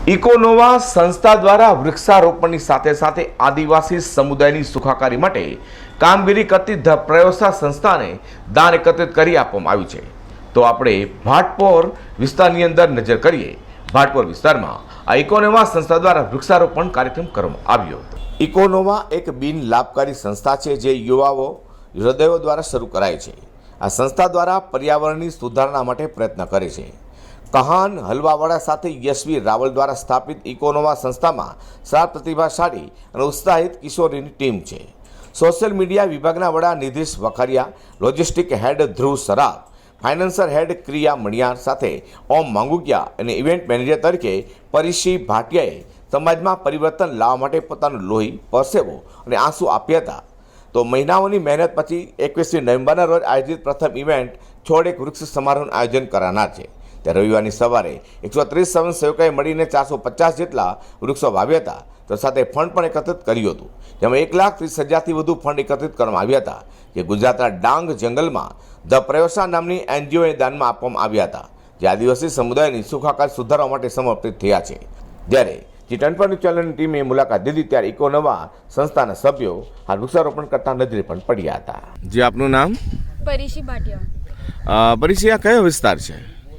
Econova સંસ્થા દ્વારા વૃક્ષારોપણની સાથે સાથે આદિવાસી સમુદાયની સુખાકારી માટે કામગીરી કરતી ધ પ્રયોસા સંસ્થાને દાન એકત્રિત કરી આપવામાં આવ્યું છે। તો આપણે ભાટપોર વિસ્તારની અંદર નજર કરીએ। ભાટપોર વિસ્તારમાં આ ઇકોનોવા સંસ્થા દ્વારા વૃક્ષારોપણ કાર્યક્રમ કરવામાં આવ્યો હતો। ઇકોનોવા એક બિન લાભકારી સંસ્થા છે જે યુવાઓ હૃદયો દ્વારા શરૂ કરાય છે। આ સંસ્થા દ્વારા પર્યાવરણની સુધારણા માટે પ્રયત્ન કરે છે। કહાન હલવાવાળા સાથે યશવી રાવલ દ્વારા સ્થાપિત ઇકોનોવા સંસ્થામાં 7 પ્રતિભાશાળી અને ઉત્સાહિત કિશોરીની ટીમ છે। સોશિયલ મીડિયા વિભાગના વડા નિધિશ વખારિયા, લોજિસ્ટિક હેડ ધ્રુવ સરાફ, ફાઇનાન્સર હેડ ક્રિયા મણિયાર સાથે ઓમ માંગુકિયા અને ઇવેન્ટ મેનેજર તરીકે પરિશી ભાટિયાએ સમાજમાં પરિવર્તન લાવવા માટે પોતાનું લોહી, પરસેવો અને આંસુ આપ્યા હતા। તો મહિનાઓની મહેનત પછી 21મી નવેમ્બરના રોજ આયોજિત પ્રથમ ઇવેન્ટ છોડ એક વૃક્ષ સમારોહનું આયોજન કરનાર છે। ત્યારે રવિવારની સવારે 130 સ્વયંસેવકોએ મળીને 450 જેટલા વૃક્ષો વાવ્યા હતા। તો સાથે ફંડ પણ એકત્રિત કર્યું હતું, જેમાં 1,30,000થી વધુ ફંડ એકત્રિત કરવામાં આવ્યા હતા, જે ગુજરાતના ડાંગ જંગલમાં ધ પ્રયોસા નામની એનજીઓએ દાનમાં આપવામાં આવ્યા હતા, જે આદિવાસી સમુદાયની સુખાકારી સુધારવા માટે સમર્પિત થયા છે। જ્યારે G10 ચેનલની ટીમે મુલાકાત લીધી ત્યારે ઇકોનોવા સંસ્થાના સભ્યો આ વૃક્ષારોપણ કરતા નજરે પણ પડ્યા હતા। જે આપનું નામ? परिशी भाटिया। પરિચય આ કયો વિસ્તાર છે?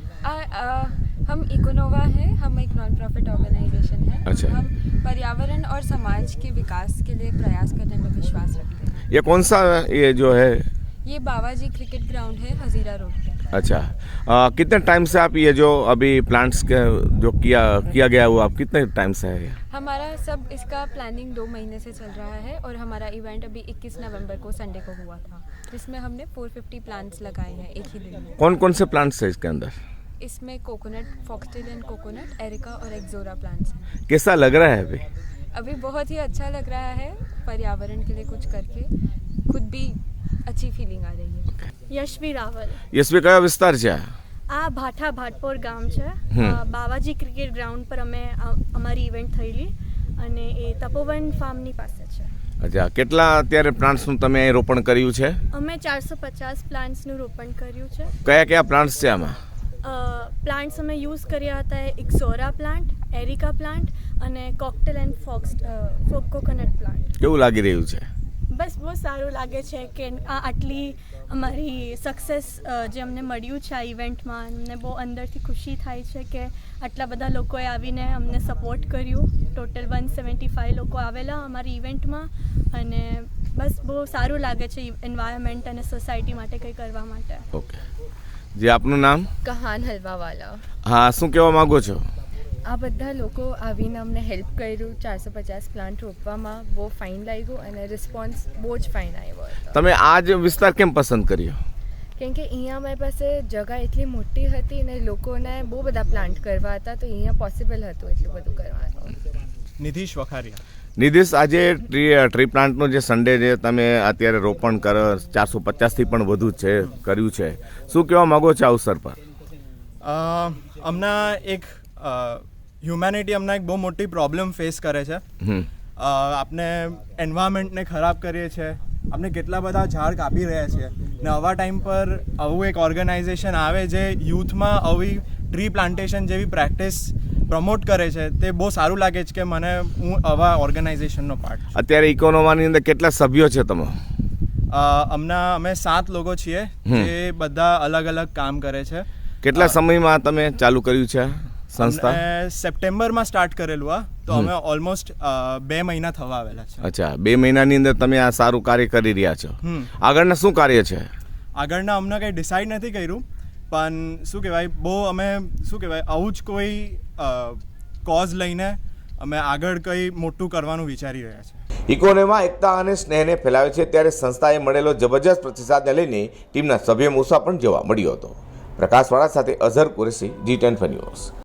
हम इकोनोवा है, हम एक नॉन प्रॉफिट ऑर्गेनाइजेशन है। अच्छा। हम पर्यावरण और समाज के विकास के लिए प्रयास करने में विश्वास रखते हैं। ये कौन सा ये जो है? ये बावाजी क्रिकेट ग्राउंड है, हजीरा रोड पे। अच्छा, कितने टाइम से आप ये जो अभी प्लांट्स के जो किया गया वो आप कितने टाइम से है? हमारा सब इसका प्लानिंग 2 महीने से चल रहा है और हमारा इवेंट अभी 21 नवंबर को संडे को हुआ था, जिसमें हमने 450 प्लांट्स लगाए हैं एक ही दिन में। कौन कौन से प्लांट्स है इसके अंदर? इसमें coconut, foxtail and coconut, areca और एक्सोरा प्लांट्स हैं। कैसा लग रहा है अभी? अभी बहुत ही अच्छा लग रहा है, पर्यावरण के लिए कुछ करके खुद भी अच्छी फीलिंग आ रही है। યશવી રાવલ। યશવી કયો વિસ્તાર છે? આ ભાટપોર ગામ છે। બાવાજી ક્રિકેટ ગ્રાઉન્ડ પર અમે અમારી ઇવેન્ટ થયેલી અને એ તપોવન ફાર્મની પાસે છે। અચ્છા, કેટલા અત્યારે પ્લાન્ટ્સનું તમે અહીં રોપણ કર્યું છે? અમે 450 પ્લાન્ટ્સનું રોપણ કર્યું છે। કયા કયા પ્લાન્ટ્સ છે આમાં? પ્લાન્ટ્સ અમે યુઝ કર્યા હતા એક્સોરા પ્લાન્ટ, એરિકા પ્લાન્ટ અને કોકટેલ એન્ડ કોકોનટ પ્લાન્ટ। કેવું લાગી રહ્યું છે? બસ બહુ સારું લાગે છે કે આટલી અમારી સક્સેસ જે અમને મળ્યું છે આ ઇવેન્ટમાં, અમને બહુ અંદરથી ખુશી થાય છે કે આટલા બધા લોકોએ આવીને અમને સપોર્ટ કર્યું। ટોટલ 175 લોકો આવેલા અમારી ઇવેન્ટમાં અને બસ બહુ સારું લાગે છે એન્વાયરમેન્ટ અને સોસાયટી માટે કંઈ કરવા માટે। ઓકે, જે આપનું નામ? કહાન હલવાવાલા। હા, શું કહેવા માંગો છો? આ બધા લોકો આવીને અમને હેલ્પ કર્યું 450 પ્લાન્ટ રોપવામાં, બહુ ફાઇન લાગ્યું અને રિસ્પોન્સ બહુ જ ફાઇન આવ્યો હતો। તમે આ જ વિસ્તાર કેમ પસંદ કર્યો? કેમ કે અહીંયા અમારી પાસે જગ્યા એટલી મોટી હતી અને લોકોને બહુ બધા પ્લાન્ટ કરવા હતા, તો અહીંયા પોસિબલ હતું એટલું બધું કરવાનું। નિધિશ વખારિયા। નિધિશ, આજે ટ્રી પ્લાન્ટનું જે સન્ડે જે તમે અત્યારે રોપણ કરો 450થી પણ વધુ છે કર્યું છે, શું કહેવા માગો છો આ અવસર પર? હમણાં એક હ્યુમેનિટી હમણાં એક બહુ મોટી પ્રોબ્લેમ ફેસ કરે છે। આપણે એન્વાયરમેન્ટને ખરાબ કરીએ છીએ, આપણે કેટલા બધા ઝાડ કાપી રહ્યા છીએ ને આવા ટાઈમ પર આવું એક ઓર્ગેનાઇઝેશન આવે જે યુથમાં આવી ટ્રી પ્લાન્ટેશન જેવી પ્રેક્ટિસ પ્રમોટ કરે છે, તે બહુ સારું લાગે છે કે મને હું આવા ઓર્ગેનાઇઝેશનનો પાર્ટ છું। અત્યારે ઇકોનોવાની અંદર કેટલા સભ્યો છે તમે? હમણાં અમે 7 લોકો છીએ જે બધા અલગ અલગ કામ કરે છે। કેટલા સમયમાં તમે ચાલુ કર્યું છે સંસ્થા? સપ્ટેમ્બરમાં સ્ટાર્ટ કરેલું આ, તો અમે ઓલમોસ્ટ 2 મહિના થવા આવેલા છે। અચ્છા, 2 મહિનાની અંદર તમે આ સારું કાર્ય કરી રહ્યા છો। આગળના શું કાર્ય છે? આગળના અમને કંઈ ડિસાઈડ નથી કર્યું, પણ શું કહેવાય બહુ અમે શું કહેવાય આવું જ કોઈ કોઝ લઈને અમે આગળ કંઈ મોટું કરવાનું વિચારી રહ્યા છીએ। ઇકોનોમાં એકતા અને સ્નેહને ફેલાવે છે, ત્યારે સંસ્થાએ મળેલો જબરજસ્ત પ્રતિસાદને લઈને ટીમના સભ્યોમાં ઉત્સાહ પણ જોવા મળ્યો હતો। પ્રકાશવાળા સાથે અઝહર કુરેશી, G10 ન્યૂઝ।